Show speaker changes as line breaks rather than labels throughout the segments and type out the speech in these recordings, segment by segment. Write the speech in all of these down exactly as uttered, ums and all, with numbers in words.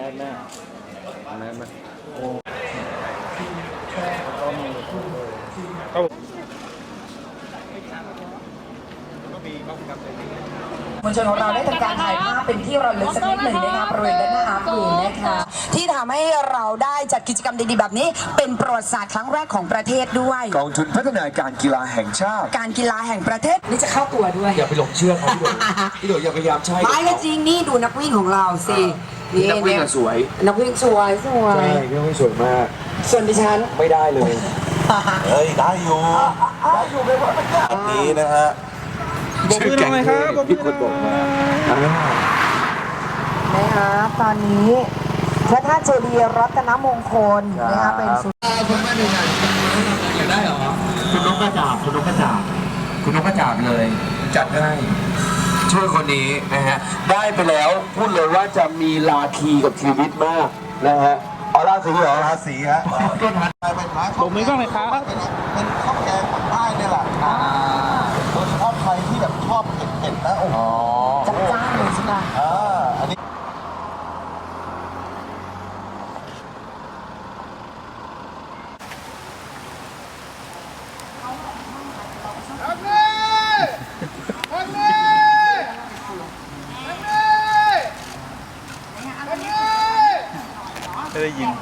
สแม่แมสมาโอ้ก็มีครับก็มีบ้างครับ
มวลชนของเราได้ทำการถ่ายภาพเป็นที่ระลึกสักนิดหนึ่งนะคะบริเวณด้านหน้าอาร์ตวีนะคะที่ทำให้เราได้จัดกิจกรรมดีๆแบบนี้เป็นประวัติศาสตร์ครั้งแรกของประเทศด้วย
กองทุนพัฒนาการกีฬาแห่งชาติ
การกีฬาแห่งประเทศนี่จะเข้าตัวด้วย
อย่าไปหลงเชื่อเขาพี่โดยพี่โดยอย่าพยายามใช่
ไม่ก็จริงนี่ดูนักวิ่งของเราสิ
นี่นักวิ่งสวย
นักวิ่งสวยสวย
ใช่นักวิ่งสวยมาก
ส่วนดิฉัน
ไม่ได้เลยเฮ้ยได้อยู่ได้อยู่เลยว่าอันนี้นะฮะ
ชื่อแก๊งครับ
พี่คนบอกมา
นะคะตอนนี้พระธาตุเจดีย์รัตนมงคลนะคะเป็นสุด
คุณแม่ดูหน่อยอยากได้เหรอคุณนกกระจาบคุณนกกระจาบคุณนกกระจาบเลยจัดให้ช่วยคนนี้นะฮะได้ไปแล้วพูดเลยว่าจะมีลาทีกับชีวิตมากนะฮะอ๋อราศีเหรอราศีฮะเป็นร้าน
ผมไม่ก็เลยครับ
เป็นข้าวแกงปักใต้เนี่ยแหละโดยเฉพาะใครที่แบบชอบเผ็ดๆนะโอ้โห
จัดจ้านเลยใช่ไหม
อ่าอันนี้
ไม่ได้ยิน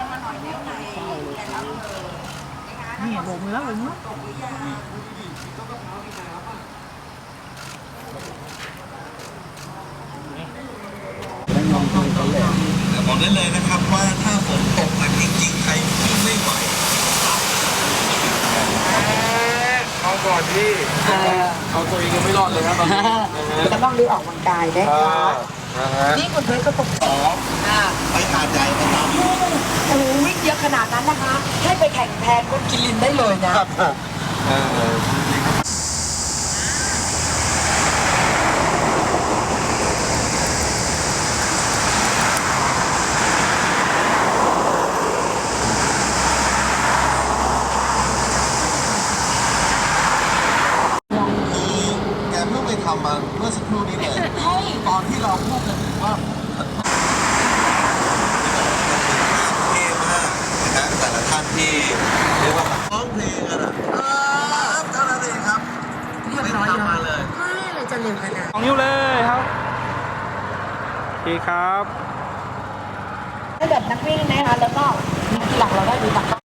นี่โบกมือแล้วโบกมือ
บอกได้เลยนะครับว่าถ้าฝนตกหนักจริงๆใครวิ่งไม่ไหวเอาก่อนที่เอาตัวเองยังไม่รอดเลยครับตอนนี้
ก็ต้องรีบออกกำลังกายนะคะนี่คุณเพชรก็ตกสอง
ไปหาดใหญ่ไปทำ
โอ้โหวิ่งเยอะขนาดนั้นนะคะให้ไปแข่งแทนคนกินลินได้เลยนะ
แกเพิ่งไปทำมาเมื่อสักครู่นี้เลยตอนที่เราพูดกันถึงว่าเท่มากนะแต่ละท่านที่เรียกว่าร้องเพลงกันอ่ะครับเท่านั้นเองครับ
เรียบร้อยมาเลยไม่เลยจะเร็วขนาด
สองนิ้วเลยครับโอเคครับ
ให้แบบนักวิ่งนะคะแล้วก็หลักเราได้ดูตัก